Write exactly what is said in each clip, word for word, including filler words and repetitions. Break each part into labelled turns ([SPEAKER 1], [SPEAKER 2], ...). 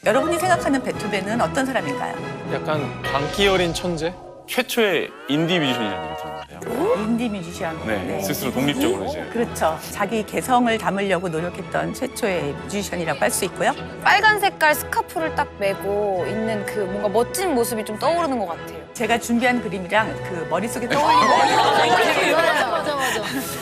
[SPEAKER 1] 여러분이 생각하는 베토벤은 어떤 사람인가요?
[SPEAKER 2] 약간 광기 어린 천재?
[SPEAKER 3] 최초의 인디 뮤지션이라는 얘기 들었는데요.
[SPEAKER 1] 인디 뮤지션.
[SPEAKER 3] 네, 스스로 독립적으로 이제.
[SPEAKER 1] 그렇죠. 자기 개성을 담으려고 노력했던 최초의 뮤지션이라고 할 수 있고요.
[SPEAKER 4] 빨간 색깔 스카프를 딱 메고 있는 그 뭔가 멋진 모습이 좀 떠오르는 것 같아요.
[SPEAKER 1] 제가 준비한 그림이랑 그 머릿속에 떠올리는 거예요.
[SPEAKER 4] 맞아, 맞아, 맞아.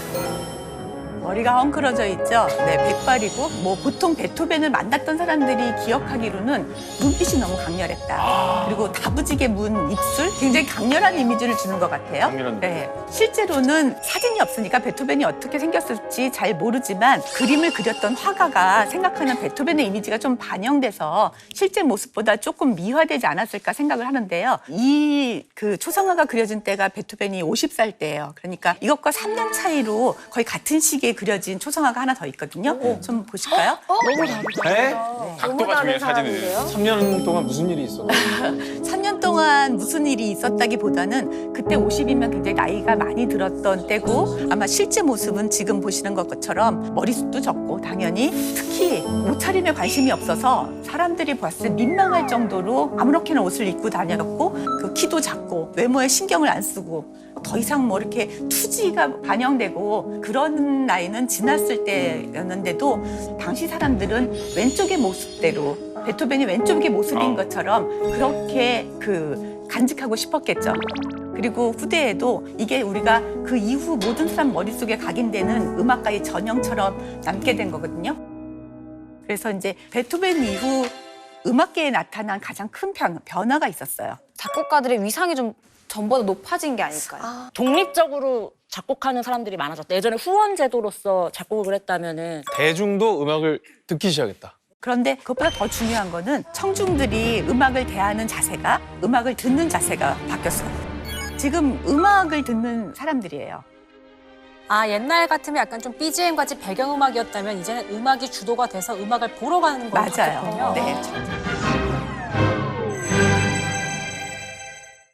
[SPEAKER 1] 머리가 헝클어져 있죠. 네, 백발이고 뭐 보통 베토벤을 만났던 사람들이 기억하기로는 눈빛이 너무 강렬했다.
[SPEAKER 3] 아.
[SPEAKER 1] 그리고 다부지게 문 입술, 굉장히 강렬한 이미지를 주는 것 같아요.
[SPEAKER 3] 강렬한
[SPEAKER 1] 네, 실제로는 사진이 없으니까 베토벤이 어떻게 생겼을지 잘 모르지만 그림을 그렸던 화가가 생각하는 베토벤의 이미지가 좀 반영돼서 실제 모습보다 조금 미화되지 않았을까 생각을 하는데요. 이 그 초상화가 그려진 때가 베토벤이 오십 살 때예요. 그러니까 이것과 삼 년 차이로 거의 같은 시기에 그려진 초상화가 하나 더 있거든요. 좀 보실까요?
[SPEAKER 4] 너무 다르다.
[SPEAKER 2] 네?
[SPEAKER 3] 각도가 중요해, 사진은.
[SPEAKER 2] 삼 년 동안 무슨 일이 있었어?
[SPEAKER 1] 삼 년 동안 무슨 일이 있었다기보다는 그때 오십이면 굉장히 나이가 많이 들었던 때고 아마 실제 모습은 지금 보시는 것처럼 머리숱도 적고 당연히 특히 옷차림에 관심이 없어서 사람들이 봤을 때 민망할 정도로 아무렇게나 옷을 입고 다녔고 그 키도 작고 외모에 신경을 안 쓰고 더 이상 뭐 이렇게 투지가 반영되고 그런 나이는 지났을 때였는데도 당시 사람들은 왼쪽의 모습대로 베토벤이 왼쪽의 모습인 것처럼 그렇게 그 간직하고 싶었겠죠. 그리고 후대에도 이게 우리가 그 이후 모든 사람 머릿속에 각인되는 음악가의 전형처럼 남게 된 거거든요. 그래서 이제 베토벤 이후 음악계에 나타난 가장 큰 변, 변화가 있었어요.
[SPEAKER 4] 작곡가들의 위상이 좀 전보다 높아진 게 아닐까요?
[SPEAKER 5] 아. 독립적으로 작곡하는 사람들이 많아졌다. 예전에 후원 제도로서 작곡을 했다면은
[SPEAKER 2] 대중도 음악을 듣기 시작했다.
[SPEAKER 1] 그런데 그것보다 더 중요한 거는 청중들이 음악을 대하는 자세가 음악을 듣는 자세가 바뀌었어요. 지금 음악을 듣는 사람들이에요.
[SPEAKER 6] 아, 옛날 같으면 약간 좀 비지엠 같이 배경음악이었다면 이제는 음악이 주도가 돼서 음악을 보러 가는 걸로
[SPEAKER 1] 맞아요.
[SPEAKER 6] 바뀌었군요.
[SPEAKER 1] 네.